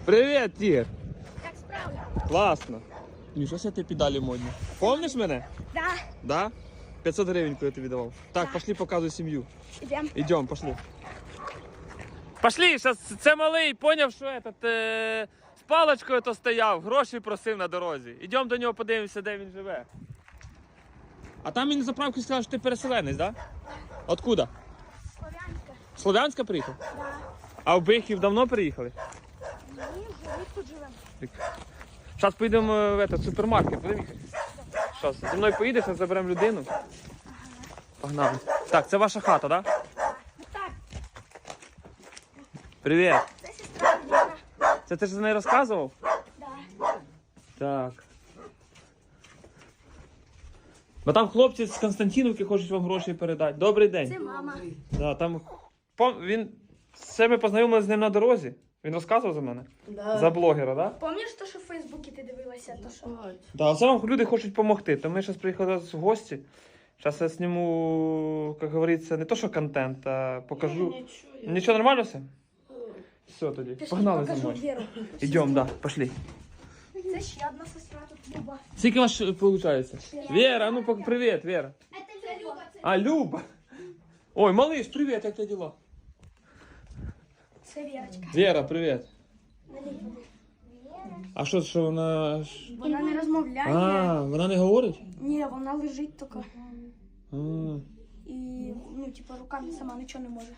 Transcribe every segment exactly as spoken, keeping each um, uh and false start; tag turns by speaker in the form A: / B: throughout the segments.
A: Привіт, Тір!
B: Як справді?
A: Класно. Міша, що ти педалі модні? Помниш мене?
B: Да.
A: Да? п'ятсот гривень, коли я тобі давав. Так,
B: Да.
A: пошли, показуй сім'ю.
B: Ідемо.
A: Ідем, пошли. Пошли, зараз це малий, поняв, що этот, е, з паличкою то стояв, гроші просив на дорозі. Ідемо до нього, подивимося, де він живе. А там він на заправці сказав, що ти переселенець, так? Да? Откуда?
B: Слов'янська.
A: З Слов'янська приїхав?
B: Да.
A: А в Бихів давно приїхали?
B: Ні, ми тут живемо.
A: Зараз поїдемо в этот, супермаркет, будемо їхати? Зараз, зі мною поїдеш, ми заберемо людину. Погнали. Так, це ваша хата, так? Да?
B: Так,
A: Привіт.
B: це сестра Діна.
A: Це ти ж за неї розказував?
B: Да.
A: Так. Бо там хлопці з Константинівки хочуть вам гроші передати. Добрий день.
B: Це мама.
A: Да, там... Пом... Він... Це ми познайомилися з ним на дорозі. Він розказував за мене?
C: Да.
A: За блогера, так? Да?
B: Пам'ятаєш то, що в Фейсбуці ти дивилася? То, що...
A: Да, це вам люди хочуть допомогти. То ми зараз приїхали в гості. Зараз я зніму, як говориться, не то, що контент, а покажу.
C: Нічого.
A: Нічого, нормально все? Все тоді.
B: Пішли,
A: Погнали за
B: покажу
A: мною.
B: Віру.
A: Ідемо, да, пошли.
B: Це ще одна сестра тут, Люба.
A: Скільки у вас виходить? Вера, ну пок- привіт, Вера.
B: Це Люба. Це,
A: А, Люба. Ой, малыш, привіт, як тебе діла?
B: це Вірочка.
A: Вера, привіт. А що, що вона... ж-
B: Вона не розмовляє.
A: А, вона не говорить?
B: Ні, вона лежить тільки.
A: А,
B: І, ну, типу, руками сама нічого не може.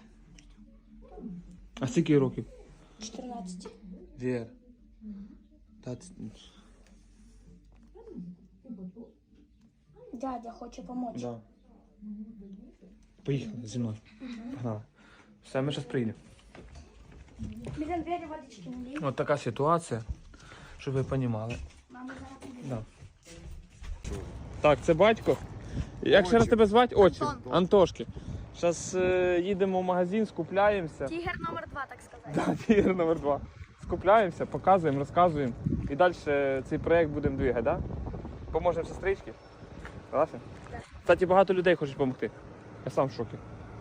A: а скільки років?
B: чотирнадцять.
A: Вера. Та, ц-
B: Дядя хоче допомогти.
A: да. Поїхали зі мною. Погнали. Все, ми зараз приїдемо.
B: Блін, Вері водички не лій.
A: От така ситуація, щоб ви розуміли.
B: Мама зараз піде.
A: Да. Так, це батько. Як ще раз тебе звати? Очі.
B: Антон.
A: Антошки. Зараз е, їдемо в магазин, скупляємося.
B: Тігр номер два, так сказати.
A: Да, тігр номер два. Скупляємося, показуємо, розказуємо. І далі цей проєкт будемо двигати, да? Поможемо сестричці. Согласен?
B: Так.
A: Кстати, багато людей хочуть допомогти. Я сам в шокі.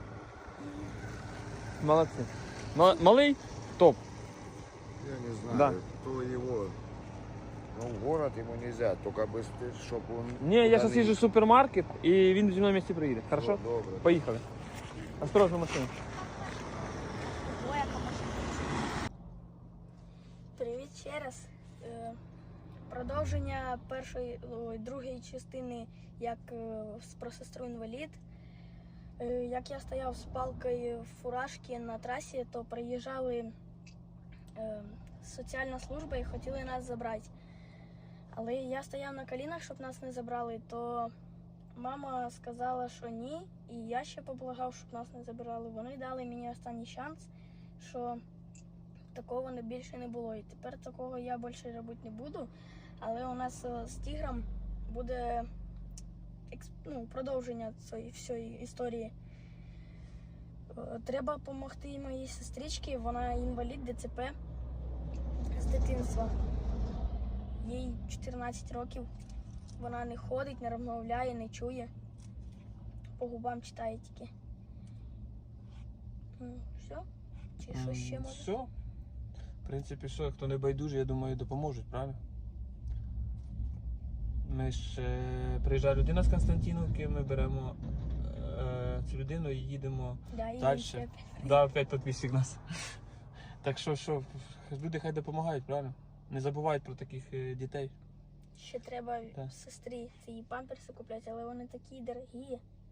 A: Молодці. Ма- Малий? Топ.
D: Я не знаю,
A: Да.
D: кто его. Ну, в город ему нельзя, только быстрее, чтобы он...
A: Ні, я
D: куда
A: зараз
D: не-
A: їжджу в супермаркет і він зі мною в місті приїде. Хорошо?
D: О, добре.
A: Поїхали. Осторожно, машину.
B: Привіт ще раз. Е, Продовження першої, ой, другої частини, як е, с- про сестру інвалід. Е, Як я стояв з палкою в фуражці на трасі, то приїжджали е, соціальна служба і хотіли нас забрати. Але я стояв на колінах, щоб нас не забрали, то мама сказала, що ні, і я ще поблагав, щоб нас не забирали. Вони дали мені останній шанс, що такого не більше не було. І тепер такого я більше робити не буду. Але у нас е, з тігром буде екс- ну, продовження цієї всієї історії. Е, Треба допомогти моїй сестричці, вона інвалід ДЦП з дитинства. Їй чотирнадцять років. Вона не ходить, не розмовляє, не чує. По губам читає тільки. Ну, все? Чи що ще може?
A: Все. В принципі, що, хто не байдужий, я думаю, допоможуть, правильно? Ми ж е, приїжджає людина з Константинівки, ми беремо е, цю людину і їдемо
B: Да, і
A: далі.
B: ще
A: Да, опять підписчик нас. Так що, що, люди хай допомагають, правильно? Не забувають про таких е, дітей.
B: Ще треба
A: Так.
B: сестрі ці памперси купляти, але вони такі дорогі.